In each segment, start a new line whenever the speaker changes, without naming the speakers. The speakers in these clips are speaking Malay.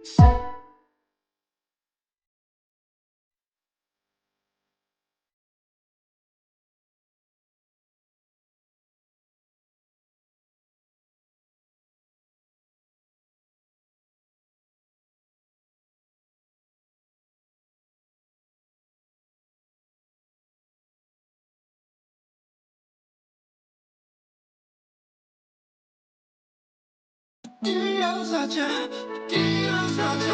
Diam saja, diam saja.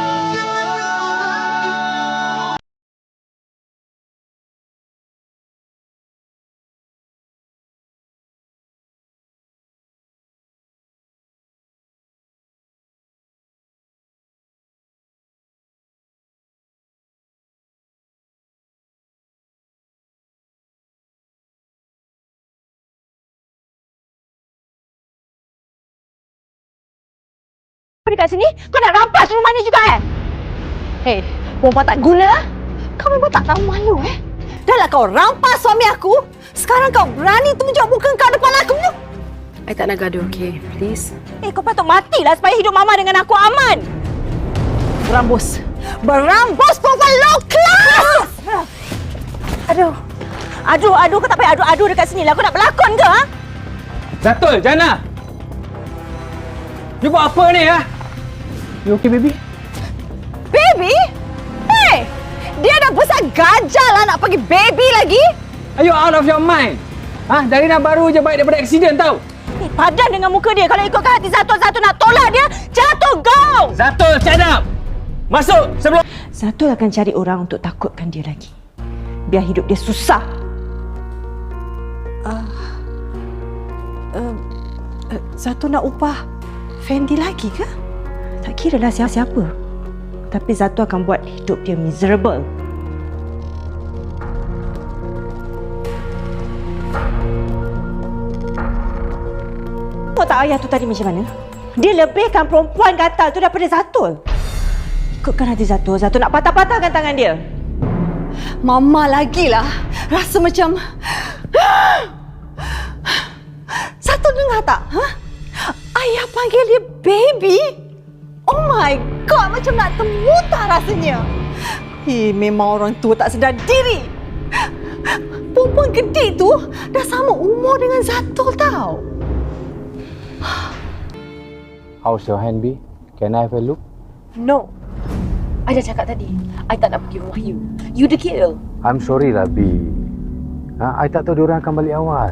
Apa dekat sini? Kau nak rampas rumah ni juga Hei, perempuan tak guna. Kau memang tak tahu malu Dah lah kau rampas suami aku. Sekarang kau berani tunjuk muka kau depan aku.
I tak nak gaduh, okay? Please.
Kau patut matilah supaya hidup Mama dengan aku aman. Berambus. Berambus perempuan low class! Aduh, kau tak payah adu-adu dekat sini lah. Kau nak berlakon ke, ha?
Zatul, Jana! You buat apa ni, ha? You okay, baby?
Baby? Hey! Dia dah besar gajah lah nak pergi baby lagi.
Are you out of your mind? Ha? Dari nak baru je baik daripada aksiden tau.
Padan dengan muka dia. Kalau ikutkan hati Zatul nak tolak dia, jatuh kau!
Zatul, stand up! Masuk sebelum...
Zatul akan cari orang untuk takutkan dia lagi. Biar hidup dia susah. Zatul nak upah Fendi lagi ke? Tak kira lah siapa. Tapi Zatul akan buat hidup dia miserable. Tahu tak ayah tu tadi macam mana? Dia lebihkan perempuan gatal tu daripada Zatul. Ikutkan hati Zatul. Zatul nak patah-patahkan tangan dia. Mama lagilah rasa macam... Zatul dengar tak? Ayah panggil dia baby? Oh my God, macam nak termuntah rasanya. Memang orang tua tak sedar diri. Perempuan gede tu dah sama umur dengan Zatul tau.
How's your hand, B? Can I have a look?
No. I dah cakap tadi. I tak nak pergi rumah you. You the kill.
I'm sorry lah, B. I tak tahu diorang akan balik awal.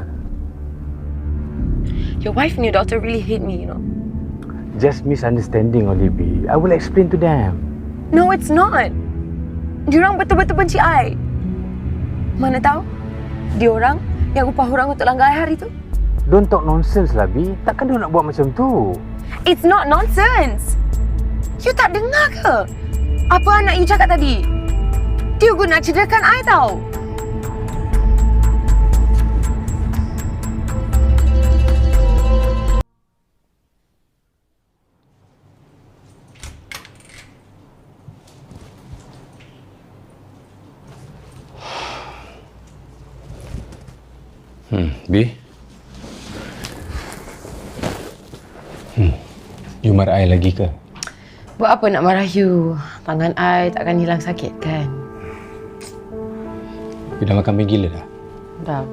Your wife and your daughter really hate me, you know.
Just misunderstanding only, B. I will explain to them.
No, it's not. Diorang betul-betul benci I. Mana tahu? Diorang yang upah orang untuk langgar I hari tu.
Don't talk nonsense lah, B. Takkan dia nak buat macam tu?
It's not nonsense. You tak dengar ke? Apa anak you cakap tadi? Dia guna cederakan I tau.
B? You marah I lagi ke?
Buat apa nak marah you? Tangan I takkan hilang sakit kan?
You dah makan mi gila dah?
Dah.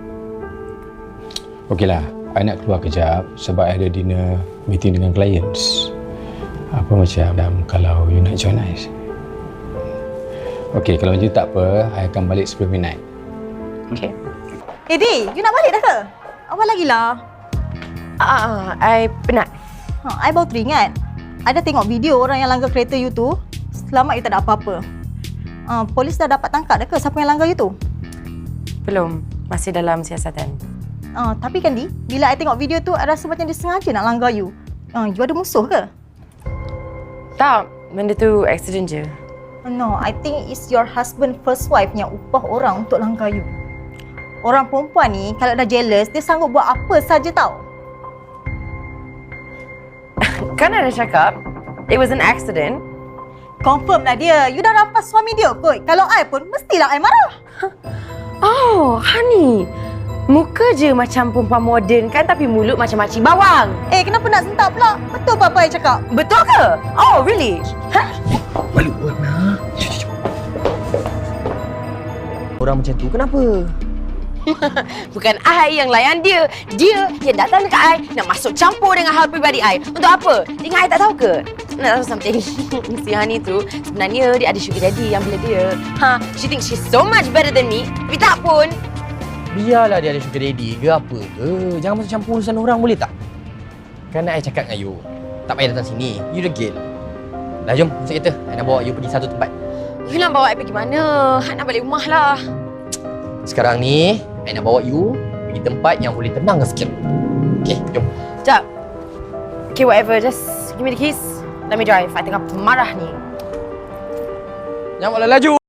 Okeylah, I nak keluar kejap sebab I ada dinner meeting dengan clients. Apa macam kalau you nak join I? Okey, kalau macam tu tak apa, I akan balik sebelum midnight.
Okay.
Di, you nak balik dah ke? Awal lagi lah.
I penat.
I baru teringat. I dah tengok video orang yang langgar kereta you tu. Selamat you tak ada apa-apa. Polis dah dapat tangkap dah ke siapa yang langgar you tu?
Belum. Masih dalam siasatan.
Tapi kan Di, bila I tengok video tu, I rasa macam dia sengaja nak langgar you. You ada musuh ke?
Tak. Benda tu accident je.
No, I think it's your husband first wife yang upah orang untuk langgar you. Orang perempuan ni kalau dah jealous, dia sanggup buat apa saja tau.
Kan ada cakap, it was an accident.
Confirm lah dia. You dah rampas suami dia kot. Kalau I pun, mestilah I marah.
Oh, honey. Muka je macam perempuan moden kan, tapi mulut macam makcik bawang.
Kenapa nak sentak pula? Betul apa yang cakap?
Betul ke? Oh, really?
Malu nak. Orang macam tu kenapa?
Bukan I yang layan dia. Dia yang datang dekat I nak masuk campur dengan hal peribadi I. Untuk apa? Dengan I tak tahu ke? Nak tahu something? Si Hani tu sebenarnya dia ada sugar daddy yang bila dia. She thinks she's so much better than me. Tapi tak pun.
Biarlah dia ada sugar daddy ke apa ke. Jangan masuk campur urusan orang boleh tak? Kan I cakap dengan you, tak payah datang sini. You degil. Dah jom, masuk kereta. I nak bawa you pergi satu tempat.
You nak bawa I pergi mana? I nak balik rumah lah.
Sekarang ni, I nak bawa you pergi tempat yang boleh tenang sikit. Okay, jom.
Sekejap. Okay, whatever. Just give me the keys. Let me drive. I tengah marah ni.
Jangan malah laju.